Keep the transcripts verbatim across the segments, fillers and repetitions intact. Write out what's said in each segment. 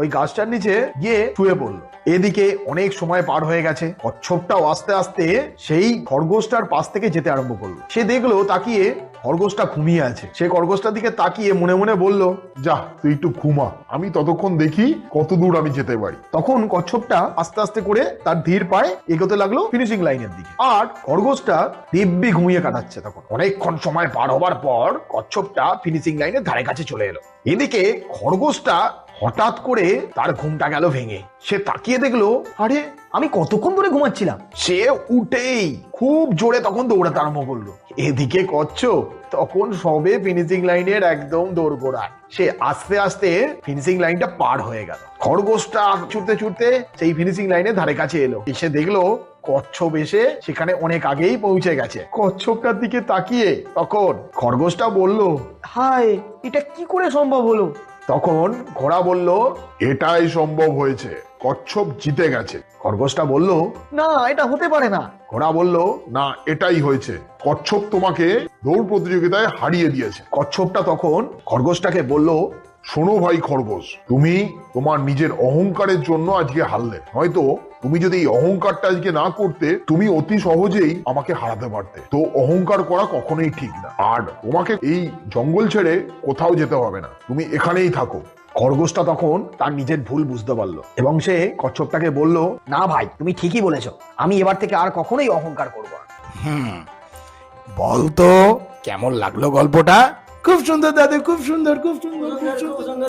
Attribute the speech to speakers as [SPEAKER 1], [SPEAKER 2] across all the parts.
[SPEAKER 1] ওই গাছটার নিচে গিয়ে শুয়ে পড়লো। এদিকে অনেক সময় পার হয়ে গেছে, কচ্ছপটাও আস্তে আস্তে সেই খরগোশটার পাশ থেকে যেতে আরম্ভ করলো। সে দেখলো তাকিয়ে খরগোশটা ঘুমিয়ে আছে। সে খরগোশটার দিকে তাকিয়ে মনে মনে বলল,
[SPEAKER 2] যা তুই একটু ঘুমা, আমি ততক্ষণ দেখি কত দূর আমি যেতে পারি।
[SPEAKER 1] তখন কচ্ছপটা আস্তে আস্তে করে তার ধীর পায়ে এগোতে লাগলো ফিনিশিং লাইনের দিকে, আর খরগোশটা দিব্যি ঘুমিয়ে কাটাচ্ছে। তখন অনেকক্ষণ সময় পার হবার পর কচ্ছপটা ফিনিশিং লাইনের ধারে কাছে চলে এলো। এদিকে খরগোশটা হঠাৎ করে তার ঘুমটা গেল ভেঙে। সে তাকিয়ে দেখলো, আরে আমি কতক্ষণ ধরে ঘুমাচ্ছিলাম। সে উঠেই খুব জোরে তখন দৌড়াতে আরম্ভ করলো। এদিকে কচ্ছপ তখন সবে ফিনিশিং লাইনের একদম দোরগোড়ায়। সে আস্তে আস্তে ফিনিশিং লাইনটা পার হয়ে গেল। খরগোশটা ছুটতে ছুটতে সেই ফিনিশিং লাইনের ধারে কাছে এলো। এসে দেখলো কচ্ছপ এসে সেখানে অনেক আগেই পৌঁছে গেছে। কচ্ছপটার দিকে তাকিয়ে তখন খরগোশটা বলল,
[SPEAKER 3] হায়, এটা কি করে সম্ভব হলো?
[SPEAKER 1] তখন ঘোড়া বলল,
[SPEAKER 2] এটাই সম্ভব হয়েছে, কচ্ছপ জিতে গেছে।
[SPEAKER 1] খরগোশটা বলল,
[SPEAKER 3] না, এটা হতে পারে না।
[SPEAKER 1] ঘোড়া বলল,
[SPEAKER 2] না, এটাই হয়েছে, কচ্ছপ তোমাকে দৌড় প্রতিযোগিতায় হারিয়ে দিয়েছে।
[SPEAKER 1] কচ্ছপটা তখন খরগোশটাকে বলল,
[SPEAKER 2] শোনো ভাই খরগোশ, তুমি তোমার নিজের অহংকারের জন্য আজকে হারলে। হয়তো তুমি যদি এই অহংকারটা আজকে না করতে, তুমি অতি সহজেই আমাকে হারাতে পারতে। তো অহংকার করা কখনোই ঠিক না, আর তোমাকে এই জঙ্গল ছেড়ে কোথাও যেতে হবে না, তুমি এখানেই থাকো।
[SPEAKER 1] খরগোশটা তখন তার নিজের ভুল বুঝতে পারলো এবং সে কচ্ছপটাকে বলল,
[SPEAKER 3] না ভাই, তুমি ঠিকই বলেছো, আমি এবার থেকে আর কখনোই অহংকার করবো না।
[SPEAKER 4] হুম বলতো কেমন লাগলো গল্পটা?
[SPEAKER 5] খুব সুন্দর দাদু, খুব সুন্দর, খুব সুন্দর, খুব সুন্দর।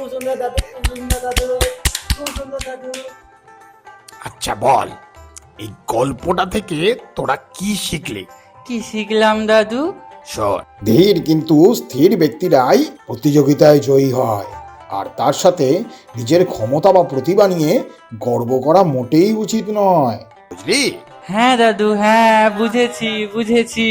[SPEAKER 4] আচ্ছা বল, এই গল্পটা থেকে তোরা কি শিখলি?
[SPEAKER 6] কি শিখলাম দাদু?
[SPEAKER 4] শোন, ধীর কিন্তু স্থির ব্যক্তিরাই প্রতিযোগিতায় জয়ী হয়, আর তার সাথে নিজের ক্ষমতা বা প্রতিভা নিয়ে গর্ব করা মোটেই উচিত নয়, বুঝলি?
[SPEAKER 6] হ্যাঁ দাদু, হ্যাঁ বুঝেছি বুঝেছি।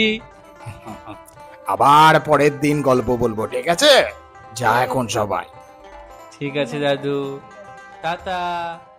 [SPEAKER 4] আবার পরের দিন গল্প বলবো, ঠিক আছে? যা এখন সবাই।
[SPEAKER 6] ঠিক আছে দাদু, টাটা।